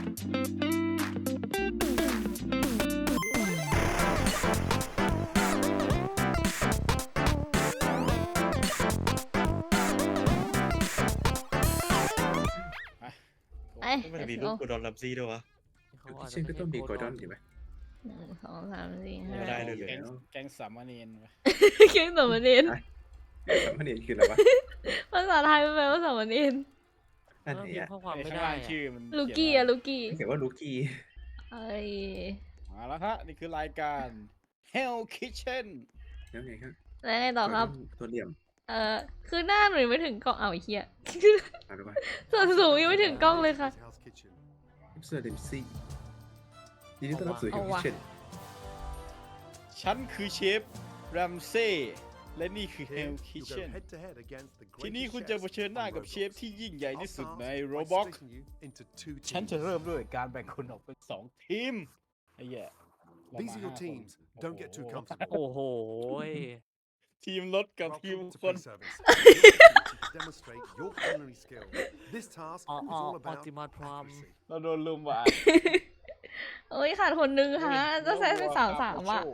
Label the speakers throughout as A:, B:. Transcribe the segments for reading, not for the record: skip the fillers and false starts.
A: มันจะมีรูปกูดอนลัมซี่ด้วยวะ
B: เช่นก็ต้องมีกอร์ดอนอยู่ไหม
C: 1 2 3 4 5
A: ไม่ได้เลย
D: แก๊งสามเณรวะ
C: แก๊งสามเณร
B: สามเณรคืออะไรวะ
C: ภาษาไทยมันแปลว่าสามเณร
B: นั่นเอง
E: ข้อความไม่
D: ข้าง
E: ได้
D: ล่างชื่อมัน
C: ลูกี้อะลูกี้
B: เขียนว่าลูกี้
C: เอ้ย
D: มาแล้วฮะนี่คือรายการ Hell Kitchen
B: แล้วไงครับ
C: แล้วไงต่อครับ
B: ตัวเหลี่ยม
C: คือหน้าหนูยังไม่ถึงกล้องเอาไอ้เหี้ย
B: เอาดูว่า
C: ส่วนสูงยังไม่ถึงกล้องเลยค่ะ
B: เสื้อเดมซี่ยินดีต้อนรับสู่
C: เอา
B: Hell
C: ว่ะ
B: Kitchen
D: ฉันคือเชฟแรมเซ่และนี่คือ Hell Kitchen ที่นี่คุณจะเผชิญหน้ากับเชฟที่ยิ่งใหญ่ที่สุดใน Roblox ฉันจะเริ่มด้วยการแบ่งคนออกเป็น2ทีมไอ้แย่
F: These are your teams. Don't get too comfortable.
E: โอ้โห
D: ทีมรถกับทีม
F: Welcome to
D: คน
F: Food Service. Demonstrate your culinary skill. This task is all about
E: Optimal Prime
F: accuracy.
D: เราโดนลุมว่ะ
C: เอ้ยขาดคนนึงฮะจะใส่3 อ่ะ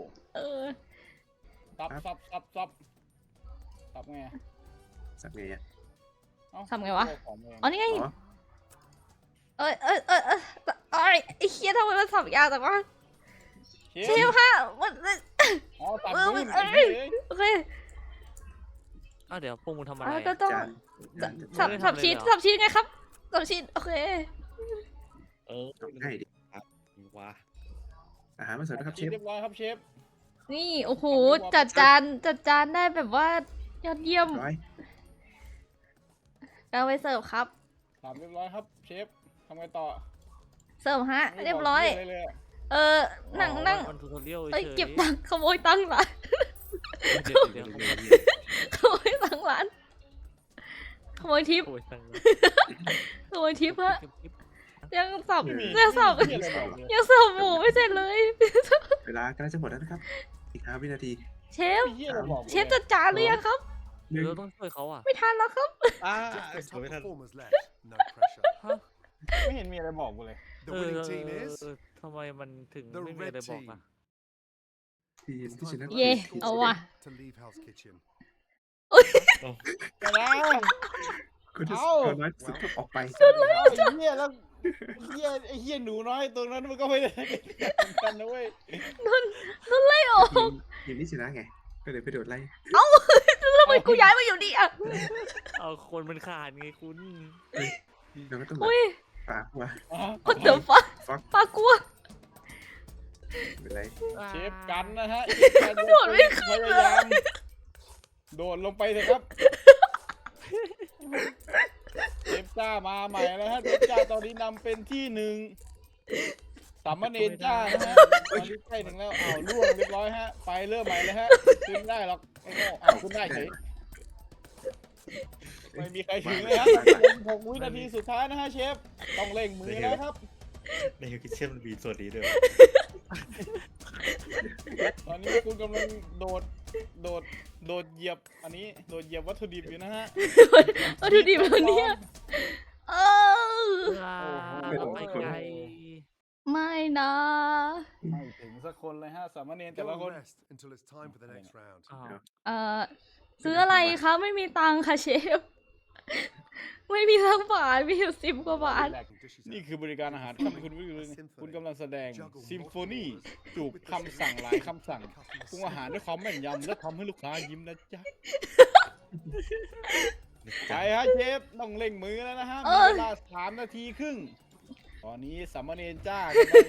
D: ซับไง
B: สักไงอ่ะ
C: ทำไงวะ
D: ของเอง
C: อ๋อนี่ไง
B: อ๋อ
C: เอ้ยไอ้เหี้ยทำไมมันสับยาวแต่ว่า
D: เช
C: เช
D: ฟ
C: ฟฮะมัน
D: อ๋อตัด
C: เออ
D: นู่น
C: เอ้
D: ไอ้
C: ย
D: เหี้ย
C: โอเค
E: เดี๋ยวพวกมึงทำอะไร
C: ก็ต้อง
B: จาน
C: สับชีสไงครับสับชีสโอเค
B: ง่ายดิ
A: ว้า
B: อาหารมาเสิร์ฟนะครับเชฟ
D: เรียบร้อยครับเชฟ
C: นี่โอ้โหจัดจานได้แบบว่ายอดเยี่ยม
B: ร้อย
C: เอาไปเสิร์ฟครับ
D: ถามเรียบร้อยครับเชฟทำไงต่อ
C: เสิร์ฟฮะเรียบร้อย
D: ไม่ได้บกะไเลยะ
C: นั่ง
E: มันทูทอเรียล
C: เอ้ย
E: เฉย
C: เก็บตังค์ขโมยตังค์ร้าน
E: เดี๋ยว
C: ขโมยตังค์ร้านขโมยทิป
E: โอ้ยตังค์
C: ขโมยทิปฮะ
E: เก็บคลิป
C: ยังสับ
D: ไม่มี
C: ยังสับ
D: ไม่มีอะไรบอกเลย
C: ยังสับหมูไม่เสร็จเลย
B: เวลากำลังจะหมดแล้วนะครับ อีก5 วินาที
C: เชฟ
D: ไม่มีอะไรบอกลย
C: เชฟจัดจานหรือยังครับ
B: หนึ่ง
E: เราต้องช่วยเขาอ่ะ
C: ไม่ทันแล้วครับ
F: Just the
A: ไม่
F: top
A: ทัน
F: performers left. No pressure.
E: ฮะ
D: ไม่เห็นมีอะไรบอกกูเลย
F: The winning team is
E: ทำไมมันถึง
F: the
E: ไม่มีอะไร
F: red
E: บอก
F: team.
E: อ่ะ
B: ทีมที่ชนะ
C: เย่เอาว่ะ
F: To leave Hell's Kitchen.
D: แต่แล้ว
B: คุณจะ
D: เอ้า
B: เอาน้อยสุดออกไป
D: ไอ้เหี้ยแล้วไอ้เหี้ยหนูน้อยตัวนั้นมันก็ไม่ได้เหมือนกันนะเว้ย
C: นั่นไล่ออก
B: ทีมที่ชนะไง ก็เลยไปโดดไล่
C: ทำไมกูย้ายมาอยู่นี่อ่ะ
E: เอาคนมันขาดไงคุณ
B: เราก็ต้องแบบ
C: อุ้ย
B: ปากว่า
C: what the fuck
B: ฟัก
C: ปากกลัว
B: เป็นไร
D: เชฟกันนะฮะ
C: โดดไม่ขึ้นเลย
D: พยายามโดดลงไปเลยครับเชฟจ้ามาใหม่แล้วฮะเชฟจ้าตอนนี้นำเป็นที่1สามเณรจ้านะฮะตอนนี้ใกล้ถึงแล้วอ้าวล่วงเรียบร้อยฮะไปเริ่มใหม่เลยฮะขึ้นไม่ได้หรอกไอ้โง่อ้าวขึ้นได้เฉยไม่มีใครถึงเลยฮะ6 วินาทีสุดท้ายนะฮะเชฟต้องเร่งมือแล้วครับ
A: ในคิทเช่นมันมีส่วนนี้ด้วย
D: ตอนนี้คุณกำลังโดดเหยียบอันนี้โดดเหยียบวัตถุดิบอยู่นะฮะ
C: วัตถุดิบวันนี้เออ
E: ไปไกล
C: ไม่นะ
D: ไม่ถึงสักคนเลยฮะสามเณรแต่
F: Go
D: ละ
F: and
D: คน
F: rest until it's time for the next round.
C: ซื้ออะไรคะไม่มีตังค่ะเชฟ ไม่มีสักบาทมีอยู่10 กว่าบาท
D: นี่คือบริการอาหารครับคุณกำลังแสดงซิมโฟนีจูบคำสั่งหลายคำสั่งปรุงอาหารด้วยความแม่นยำและทำให้ลูกค้ายิ้มนะจ๊ะไปฮะเชฟต้องเร่งมือแล้วนะฮะมีเวลา3 นาทีครึ่งตอนนี้สามเณรจ้า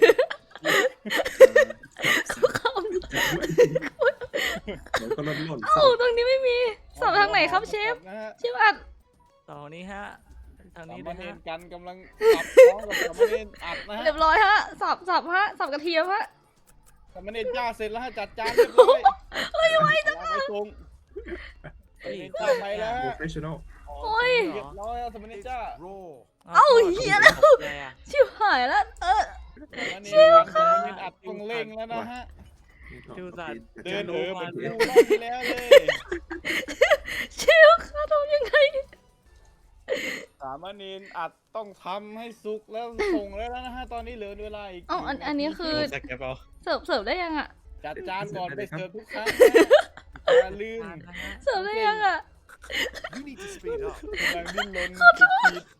B: เราก็ล่น
C: เอ้าตรงนี้ไม่มีสับทางไหนครับเชฟ
D: นะฮะ
C: เชฟอัด
E: ต่อนี้ฮะ ทาง
D: สา
E: นี้
D: ม
E: นะ
D: เณ
E: ฮะ
D: รกันกำลังสับน้องกับสามเณรอัดนะฮะ
C: เรียบร้อยฮะสับฮะสับกระเทียมฮะ
D: สามเณรจ้าเสร็จแล้วฮะจัดจานเรียบร้อยไว้จังไปส่งสามเณรจ้าไปแล้ว
B: โปร
D: ฮะ
B: เฟชชั่นอล
C: โอ้ย
D: เรียบร้อยแล้วสามเณรจ้า
F: Raw.
C: เอ้าเหี้ยแล้ว
E: อะไรอ่ะ
C: ชิบหายแล้ว
D: สามเณรอัดต้องเร่งแล้วนะฮะ เดินเหมือนกูรอบที่แล้วเลย
C: เชฟคะทำยังไง
D: สามเณรอัดต้องทำให้สุกแล้วส่งแล้วนะฮะตอนนี้เหลือเวลาอีก
C: เอ้าอันนี้คือ
A: โดนสแกปเอา
C: เสิร์ฟได้ยังอ่ะ
D: จัดจานก่อนไปเสิร์ฟทุกครั้งอย่าลืม
E: ทานนะฮะ
C: เสิร์ฟได้ยังอ่ะ
F: You need to speed up.
D: กำลังดิ้นรนสุดขีด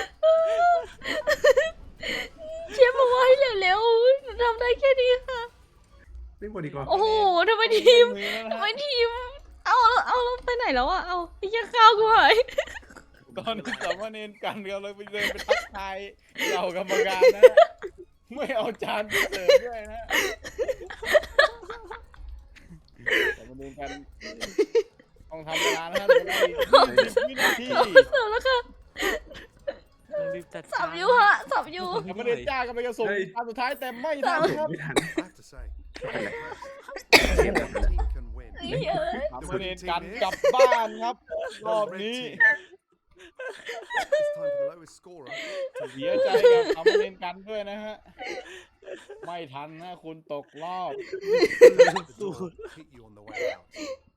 C: เชฟบอกว่าให้เร็วๆหนูทำได้แค่นี้ค่ะ
B: ไม่หมดดีกว่า
C: โอ้โหทำไมทีม
D: มือแล้วนะ
C: ทำไม
D: ฮะ
C: ทีม เอาเราไปไหนแล้วอ่ะ เอาไอ้เหี้ยข้าวกูหาย
D: ตอนนี้สามเณรกันเราเลยไปเดินไปทักทายเรากรรมการนะฮะไม่เอาจานไปเสิร์ฟด้วยนะฮะสามเณรกันต้องทำเวลานะฮะเหลือเวลาอีก20 วินาที
C: เสิร์ฟแล้วค่ะ
E: ต้องรีบจัด
C: สั
E: กา
C: บ
E: ร
C: อยู่ฮะสับอยู่
D: สามเณรจ้ากำลังจะส่งจานสุดท้ายแต่ไม่ทันครับ
B: ไม่ทัน
F: I have to say,
B: Hello.
F: no team can win.
C: ไอ้เหี้ย
D: สามเณรกันกลับบ้านครับ รอบ
F: Red
D: นี้
F: team. It's time for the lowest scorer.
D: เสียใจกับสามเณรกันด้วยนะฮะ ไม่ทันนะคุณตกรอบ
F: The door hit you on the way out.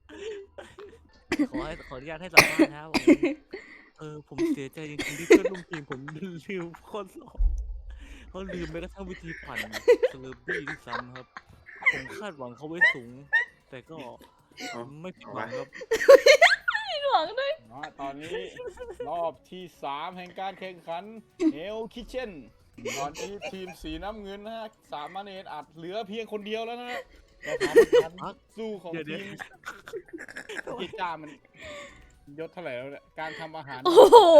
E: ขออนุญาตให้สัมภาษณ์นะครับผมเสียใจจริงๆที่เพื่อนร่วมทีมผมลืมข้อสอบเขาลืมไปกระทั่งวิธีปั่นสเลอร์บี้ที่ซ้ำครับ ผมคาดหวังเขาไว้สูง แต่ก็
B: อ๋อ
E: ไม่ผิดหวังครับ
C: หวังด้วย
D: ตอนนี้รอบที่ 3 แห่งการแข่งขัน Hell Kitchen ตอนนี้ทีมสีน้ำเงินนะฮะสามเณรอัดเหลือเพียงคนเดียวแล้วนะฮะแต่ความสู้ของ
E: เดี๋ยว
D: ทีมกีจ้ามันยศเท่าไหร่แล้วเนี่ยการทำอาหาร
C: โอ้โห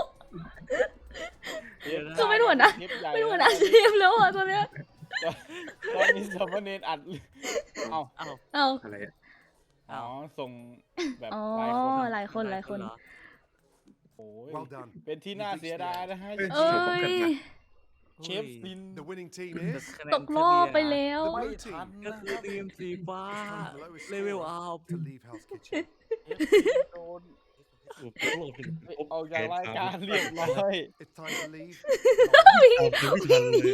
D: เชฟ
C: คือไม่หนวดนะ
D: เชฟใหญ่
C: ไม่รู้นะเชฟแล้วอ่ะตอนเนี้ย
D: ตอนนี้สามเณรอัดเอา
E: อ้าว
C: เอา
B: อะไรอ่ะ
D: อ๋อส่งแบบ
C: อ๋อ
D: หลายคน
C: หลายคน
E: เหรอ
D: โอ้ย
F: Well done.
D: เป็นที่น่าเสียดายนะฮะ
C: เอ้ย
D: เชฟซิน
F: The winning team
E: แต่
F: is
E: คะแนน
C: ตกรอบไปแล้ว
F: the
D: ไม่
F: blue
D: ทัน
F: team.
E: ก็คือทีมสีฟ้า
F: The lowest
E: เลเวล
F: scorer
E: อัพ
F: to leave Hell's Kitchen.
D: เชฟซินโดน
A: ถูกต้องลงถึง
D: ออกจากรายการเรียบร้อย
F: It's time to leave.
A: เอาคือไม่ทันเลย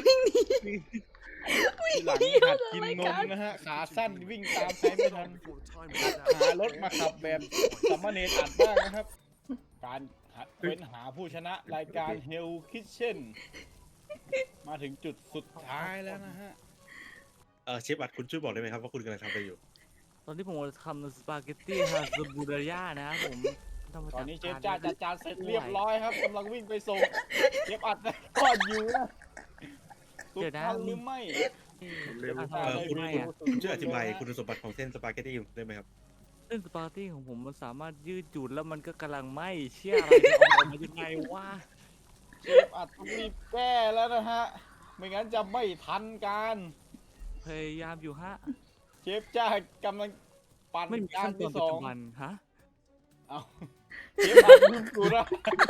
D: ทีหลังหัดกินนมนะฮะ ขาสั้นวิ่งตามใครไม่ทัน
F: Before the time runs
D: หารถ
F: out.
D: มาขับแบบสามเณรอัดบ้างนะครับ การเฟ้นหาผู้ชนะรายการ Hell Kitchen มาถึงจุดสุดท้ายแล้วนะฮะ
A: เชฟอัดคุณช่วยบอกได้ไหมครับว่าคุณกำลังทำอะไรอยู่
E: ตอนที่ผมทำสปาเกตตี้ฮาซูบูดายานะครับผมทำมา
D: ตอน
E: จาก
D: นี้เชฟจ้าจัดจานเสร็จเรียบร้อยครับกำลังวิ่งไปส่งเชฟอัดนะก่อนอยู่นะสุดทันหรือไม่
B: เร็ว
A: คุณช่วยอธิบายคุณสมบัติของเส้นสปาเกตตี้ได้ไหมครับ
E: เส้นสปาเกตตี้ของผมมันสามารถยืดหยุ่นแล้วมันก็กำลังไหม้เชี่ยอะไรจะออกมายังไงวะ
D: เชฟอัดต้องรีบแก้แล้วนะฮะ ไม่งั้นจะไม่ทันการ
E: พยายามอยู่ฮะ
D: เชฟจ้ากำลังปั่น
E: ไม่มี
D: จา
E: ขั้
D: น
E: นตอ
D: ที่
E: น
D: ส
E: ปัจ
D: อง
E: จุบันฮะ
D: เอาเชฟอัดลืมกูนะ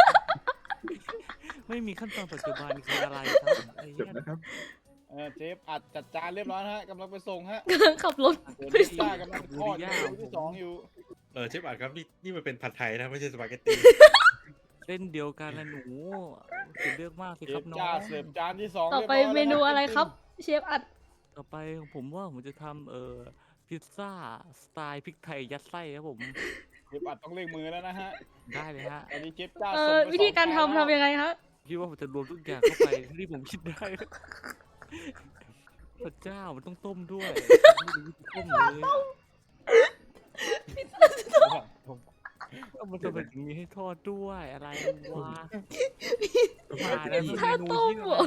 E: ไม่มีขั้นตอนปัจจุบันคืออะไรครับไอ้
B: จ
E: เหี้
B: บ
E: ย
B: นะครับ
D: เชฟอัดจัดจานเรียบร้อยนะฮะกำลังไปส่งฮะ
C: กำลังขับรถ
D: ส่วนเชฟจ้ากำลังทอดเมนูที่สองอยู่
A: เชฟอัดครับนี่มันเป็นผัดไทยนะไม่ใช่สปาเกตตี้
E: เส้นเดียวกันนะหนูคุณเลือกมากสิ
D: เช
E: ครับ
D: ฟ
E: น้อ
D: จ้าง เสิร์ฟจานที่สอง
C: ต่อไป
D: รียบร้อย
C: เมนู
D: แล้ว
C: อะไรครับ เชฟอัด
E: ต่อไปผมว่าผมจะทำพิซซ่าสไตล์พริกไทยยัดไส้ครับผม
D: เชฟอัดต้องเร่งมือแล้วนะฮะ
E: ได้เลยฮะ
D: ตอนนี้เชฟจ้า
C: เอ
D: ส่ง
C: อ
D: ไป
C: วิธีการ
D: สองจน
C: ทำยังไงครับ
E: คิดว่าผมจะรวมทุกอย่างเข้าไปที่ผมคิดได้ พระเจ้ามันต้องต้มด้วยไม่รู้จะต้มเลยมันจะเป็นอย่างนี้ให้ทอดด้วยอะไรวะมาแล้ว
C: ถ้าต้มเหรอ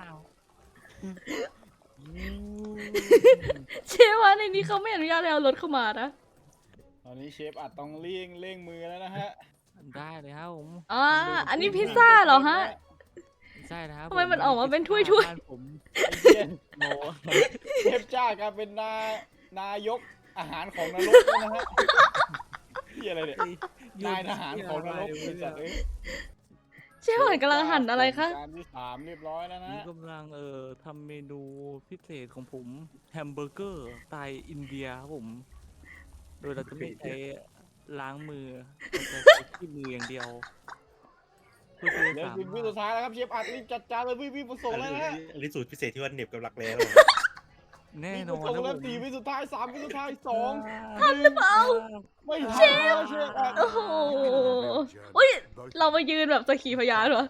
C: เชฟว่าในนี้เขาไม่อนุญาตให้เอารถเข้ามานะ
D: ตอนนี้เชฟอัดต้องเร่งมือแล้วนะฮะ
E: ได้เลยครับผม
C: อ่า อันนี้พิซซ่าเหรอฮะ
E: ใช่นะครับ
C: ทำไมมันออกมาเป็นถ้วย
E: บ้านผม
D: ไอ้เหี้ย
E: โน
D: เชฟจ้ากลายเป็นนายกอาหารของนรกแล้วนะฮะที่อะไรเนี่ย นายทหารของนรกไอ้สัตว์เอ้ย
C: เชฟอัดกำลังหั่นอะไรคะ
D: จานที่สามเรียบร้อยแล้วนะ
E: นี่กำลังทำเมนูพิเศษของผมแฮมเบอร์เกอร์สไตล์อินเดียครับผม โดยเราจะไม่ใช้ล้างมือเราจะใช้ที่มืออย่างเดียวเพื่อที่
D: เดี๋ยว
E: จะสา
D: สิบวิ
E: มาร
D: สุ
E: ถ
D: ดท้ายแล้วครับเชฟอัดรีบจัดจานเลยรีบมาส่งแล้วนะฮะ
A: อันนี้สูตรพิเศษที่ว่าเหน็บกับหลักแร้
E: แน่น
D: มี
E: อน
D: ส่ง
E: นะ
D: แล้ว
E: ผม
D: 4 วิสุดท้าย 3 วิสุดท้าย 2
C: ทันหรือเปล่า
D: ไม่ทันแล้วเชฟอัด
C: โอ้โหอุ้ย เรามายืนแบบสักขีพยานเหรอ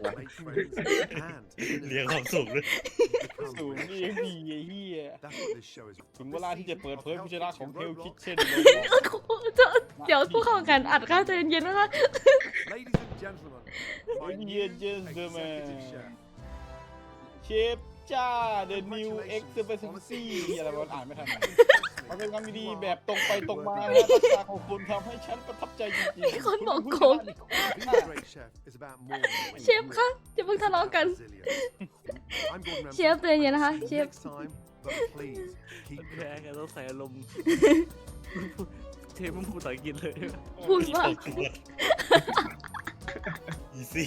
A: เรียงความสูงด้วย
D: สูงนี่ยังดีไอ้เหี้ย ถึงเวลาที่จะเปิดเผยผู้ชนะของ Hell Kitchen
C: เดี๋ยวผู้เข้าแข่งขันอัดข้าวใจเย็นๆนะคะ
D: Ladies and gentlemen เชฟจ้า The New X Specialty อะไรวะอ่านไม่ทันมันเป็นคำดีๆแบบตรงไปตรงมาและทักษะของคุณทำให้ฉันประทับใจจริงๆ
C: มีคนบอกโกง เชฟคะอย่าเพิ่งทะเลาะกัน เชฟใจเย็นนะคะเชฟ
E: แพ้กันต้องใส่อารมณ์ เทปมันพูดภาษาอังกฤษเลย
C: พูดว่า
A: อีซี่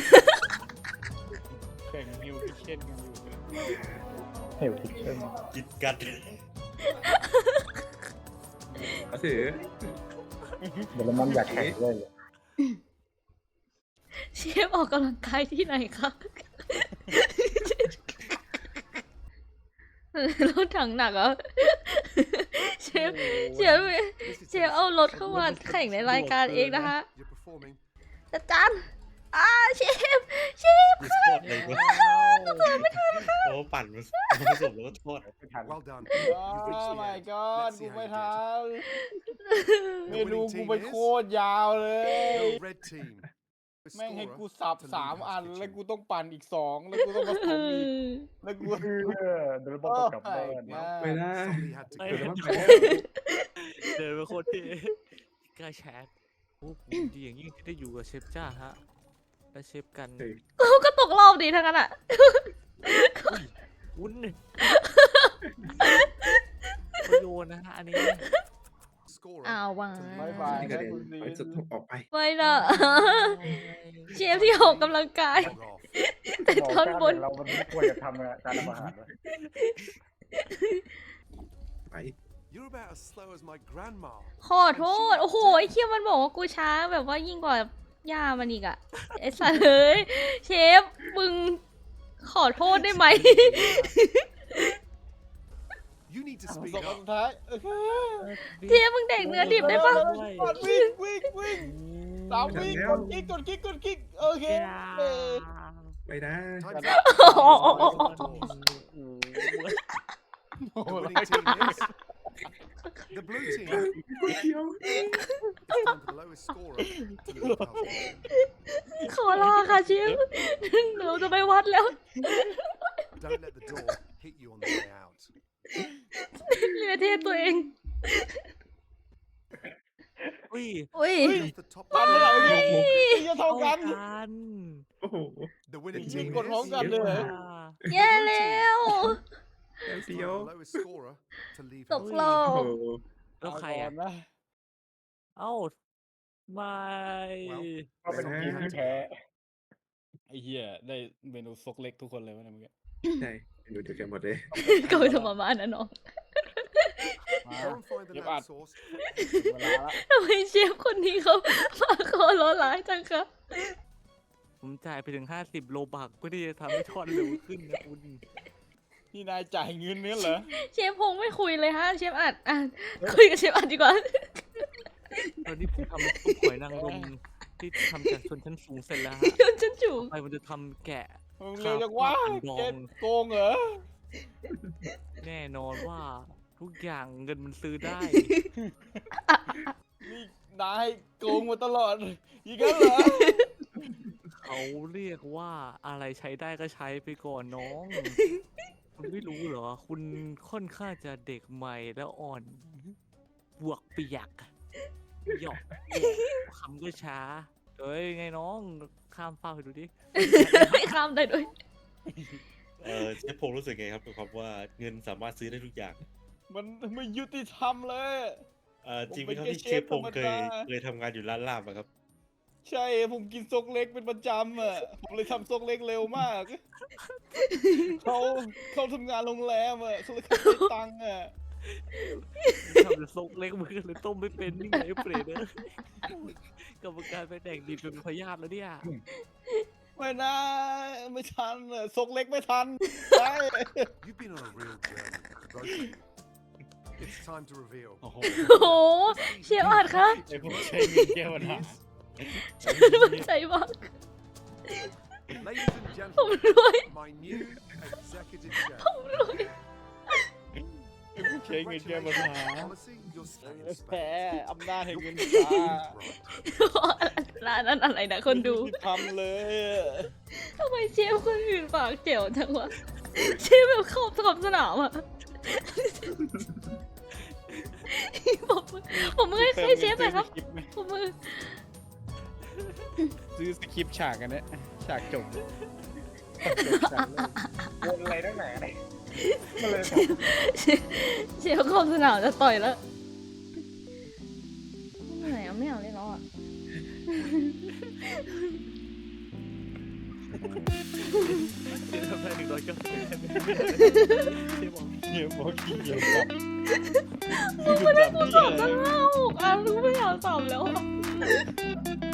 D: แข่ง Hell Kitchen กันอยู่
A: กิดกัด
B: ก็ถือ
C: เชฟออกกำลังกายที่ไหนคะรถถังหนักเหรอเชฟเอารถเข้ามาแข่งในรายการเองนะคะ อาจารย์เชฟ
A: ดิสโทษเลยว่าโอ้ปั่นมันผสมแล้วก็โทษ
F: Well done.
D: โอ้ my god กูไม่ทันเมนูกูไปโคตรยาวเลย
F: Your red team.
D: แม่งให้กูสับ3 อัน แล้วกูต้องปั่นอีก 2 แล้วกูต้องผสมอีก แล้วกูเดินบอกกลับบ้าน
B: ไม่ได้
F: Somebody had to
E: ไอ้
F: go.
E: เดินไปโคตรเท่กล้าแชทโอ้ผมดีอย่างยิ่งที่ได้อยู่กับเชฟจ้าฮะ และเชฟกัน
C: ก็ตกรอบดีทั้งนั้นอ่ะ
E: วุ้นประโยชน์นะฮะอันนี้
F: Scorer
C: อ้าววัง
D: บายบาย
B: ที่กระเด็นไปสุดออกไป
C: ไม่นะเชฟที่ออกกำลังกาย
F: log off.
C: แต่ตอนบน
G: เรามันไม่ควรจะทำการทำอาหารเลย
B: ไป
F: You're about as slow as my grandma.
C: ขอโทษ โอ้โห ไอ้เคียมันบอกว่ากูช้าแบบว่ายิ่งกว่าย่ามันอีกอะไอ้สัสเอ้ยเชฟ มึงขอโทษได้ไหม
F: You need to
D: 2
F: speak
D: อัน
F: up.
D: สุดท้าย
C: เชฟมึงแดกเนื้อดิบได้ปะ
D: วิ่ง3 วิกดคลิกโอเค
B: ไม่ได้
F: Time's
D: Yeah.
F: up. The winning team is the blue team.
B: เดียว
F: It's time for the lowest scorer to leave the house.
C: ขอลาค่ะเชฟหนูจะไปวัดแล้ว
F: Don't let the door hit you on the way out.
C: เรือเทศตัวเอง
E: อุ้ย
C: อุ้ย
F: Off the top
D: ทันแล้วเหรอจะเท่ากัน
E: กัน
B: โอ้โห
F: the winning
D: ยิง
F: team
D: กดพร้อม
F: is
D: กันเลยเหรอ
C: แย่แล้ว
F: It's
B: เดี
F: time
B: ยว
F: for the lowest scorer to leave
C: ต
F: the
C: ก
F: house.
C: รอ
B: โอ้
C: บ
B: โห
E: แล้วใคร
D: ก่
E: อ่ะ
D: นนะ
E: เอ้าไม่
G: ก็เป็นทีมที่แพ้
D: ไอ้เหี้ยได้เมนูซกเล็กทุกคนเลยวะเนี่ยเมื่อกี้
B: ใช่ดูเดียวกันหมดเลย
C: ก็ไปทำมาม่านะน้อง
D: มา
F: Go and find the
D: เก็บ
F: lamb
D: อัด
F: sauce.
D: เวลาละ
C: ทำไมเชฟคนนี้เขามาขอร้อนร้ายจังคะ
E: ผมจ่ายไปถึง50 โลบักเพื่อที่จะทำให้ทอดเร็วขึ้นนะคุณ
D: นี่นายจ่ายเงินเนี่ยเหรอ
C: เชฟพงไม่คุยเลยฮะเชฟอัดคุยกับเชฟอัดดีกว่า
E: ตอนนี้ผมทำซุปหอยนางรมที่ทำจากชนชั้นสูงเสร็จแล้วฮะ
C: โดนฉันจูบ
E: ไปมันจะทำแกะ
D: มึงเร็วจังวะ
E: ข้าวผัดดอง
D: เก็บโกงเหรอ
E: แน่นอนว่าทุกอย่างเงินมันซื้อได้
D: นี่นายโกงมาตลอดอีกแล้วเหรอ
E: เขาเรียกว่าอะไรใช้ได้ก็ใช้ไปก่อนน้อง คุณไม่รู้เหรอ คุณค่อนข้างจะเด็กใหม่แล้วอ่อน บวกเปียกหยอกคำก็ช้าเอ้ยไงน้องข้ามเป้าไปดูดิ
C: ไม่ข้ามได้ด้วย
A: เชฟพงรู้สึกไงครับกับความว่าเงินสามารถซื้อได้ทุกอย่าง
D: มันไม่ยุติธรรมเลย
A: จริงไหมครับที่เชฟพงเคยทำงานอยู่ร้านลาบอะครับ
D: ใช่ผมกินซกเล็กเป็นประจำอ่ะ ผมเลยทำซกเล็กเร็วมาก เขาทำงานโรงแรมอ่ะเขาเลยเขาได้ตังค์อ่ะ
E: ทำเป็นซกเล็กมือเลยต้มไม่เป็นนี่ไงเปรตเนอะกรรมการไปแดกดิบเป็นพยาธิแล้วเนี่ย
D: ไม่นะไม่ทันซกเล็กไม่ทันไป
F: You've been on a real journey, Rosie. It's time to reveal.
D: โอ้โห
C: โอ้โหเชฟอัดคะ
D: ไอผมใช้เงินแก้ปัญหา
C: ฉันมันใจมาก
F: Ladies and
C: ผม
F: gentlemen,
C: รวย
F: my new executive chef.
D: ใช้เงินแก้ปัญหา
F: Policy, you're staying in
D: แพ้
F: space.
D: อำนาจแห่ง
F: You're
D: เงิน
F: keeping
D: ฟ้า
F: right.
C: ร้านนั้นอะไรนะคนดู
D: ทำเลย
C: ทำไมเชฟคนอื่นปากเจ๋วจังวะเชฟแบบขอบสนามอะผมมือให้เชฟหน่อยครับผมมือ
D: ซื้อสคริปต์ฉากกันเนี่ยฉากจบ
G: วนอะไรตั้งไหนอะไรก็เลย
C: เชฟขอบสนามจะต่อยแล้วไม่ไหนไม่เอาเลยแล้วอ่ะ
E: เชฟทำได้190เชฟบอก
D: เฮียบอกขี้เกียจครับ
C: มึงไม่ได้กูสอบตั้ง5-6 อันกูไม่อยากสอบแล้วอ่ะ